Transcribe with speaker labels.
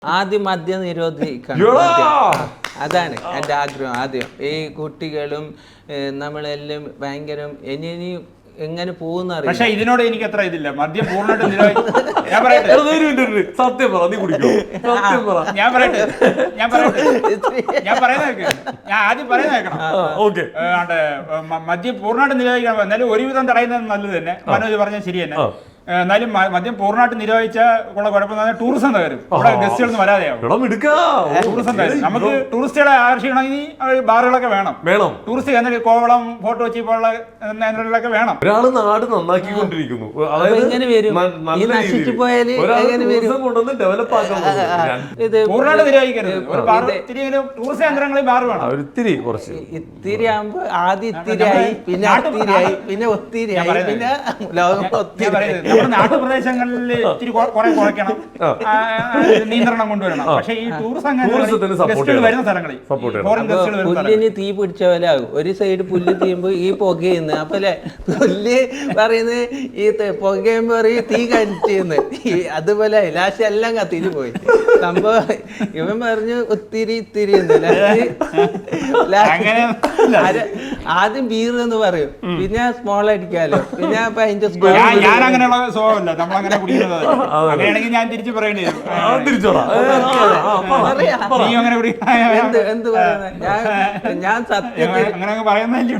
Speaker 1: ആദ്യം മദ്യം നിരോധിക്കണം. അതാണ് എൻ്റെ ആഗ്രഹം. ആദ്യം ഈ കുട്ടികളും നമ്മളെല്ലാം ഭയങ്കര ഇനി എങ്ങനെ പോകുന്ന അറിയാം.
Speaker 2: പക്ഷെ ഇതിനോട് എനിക്ക് അത്ര ഇതില്ല. മദ്യം പൂർണ്ണമായിട്ട്
Speaker 3: സത്യം പറ, നീ കുടിക്കോ? സത്യം പറ.
Speaker 2: ഞാൻ ആദ്യം പറയുന്ന കേൾക്കണം. മദ്യം പൂർണ്ണമായിട്ട് നിരോധിക്കണം. എന്നാലും ഒരുവിധം തടയുന്നത് നല്ലത് തന്നെ. മനോജ് പറഞ്ഞാൽ ശരി തന്നെ. എന്നാലും മദ്യം പൂർണ്ണമായിട്ട് നിരോധിച്ച ഉള്ള കുഴപ്പം ടൂറിസം തകരും. ഇവിടെ ഗസ്റ്റുകളൊന്നും വരാതെയാവും. ടൂറിസം തകരും. നമുക്ക് ടൂറിസ്റ്റുകളെ ആകർഷിക്കണമെങ്കിൽ ബാറുകളൊക്കെ വേണം. ടൂറിസ്റ്റ് എന്നാൽ കോവളം, ഫോർട്ട് കൊച്ചി പോലുള്ള കേന്ദ്രങ്ങളിലൊക്കെ വേണം.
Speaker 3: ഒരാള് നാട് നന്നാക്കിക്കൊണ്ടിരിക്കുന്നു.
Speaker 2: പൂർണ്ണമായിട്ട് നിരോധിക്കരുത്. ഒരു ടൂറിസ്റ്റ് കേന്ദ്രങ്ങളിൽ ബാർ വേണം.
Speaker 3: ഒത്തിരി കുറച്ച്
Speaker 1: ഇത്തിരി ആകുമ്പോ ആദ്യം ഇത്തിരിയായി, പിന്നെ ഒത്തിരിയായി, പിന്നെ ഒത്തിരിയായി, പിന്നെ ലോകം ഒത്തിരി.
Speaker 2: നമ്മുടെ നാട്ടുപ്രദേശങ്ങളിൽ ഇത്തിരി കുറെ കുറയ്ക്കണം, നിയന്ത്രണം കൊണ്ടുവരണം. പക്ഷേ ഈ ടൂറിസം വരുന്ന സ്ഥലങ്ങളിൽ
Speaker 1: പുല്ലിന് തീ പിടിച്ച പോലെ ആകും. ഒരു സൈഡ് പുല്ല് തീയുമ്പോ ഈ പുകയുന്നു. അപ്പൊ അല്ലെ പുല്ല് പറയുന്നത് ഈ പുകയുമ്പോ പറയും തീ കടിച്ചെന്ന്. അതുപോലെ ലാസ്റ്റ് എല്ലാം കത്തിട്ട് പോയി സംഭവം. ഇവൻ പറഞ്ഞു ഒത്തിരി ഇത്തിരി ആദ്യം ബീർ എന്ന് പറയും, പിന്നെ സ്മോൾ അടിക്കാലോ, പിന്നെ അപ്പൊ അതിന്റെ
Speaker 2: ഞാൻ അങ്ങനെയുള്ള സ്വഭാവമല്ല. നമ്മളങ്ങനെ കുടിക്കുന്നത് അങ്ങനെയാണെങ്കിൽ ഞാൻ തിരിച്ചു പറയേണ്ടി വരും.
Speaker 1: എന്ത് പറയുന്നത് ഞാൻ സത്യത്തിൽ
Speaker 2: അങ്ങനെ പറയുന്നില്ല.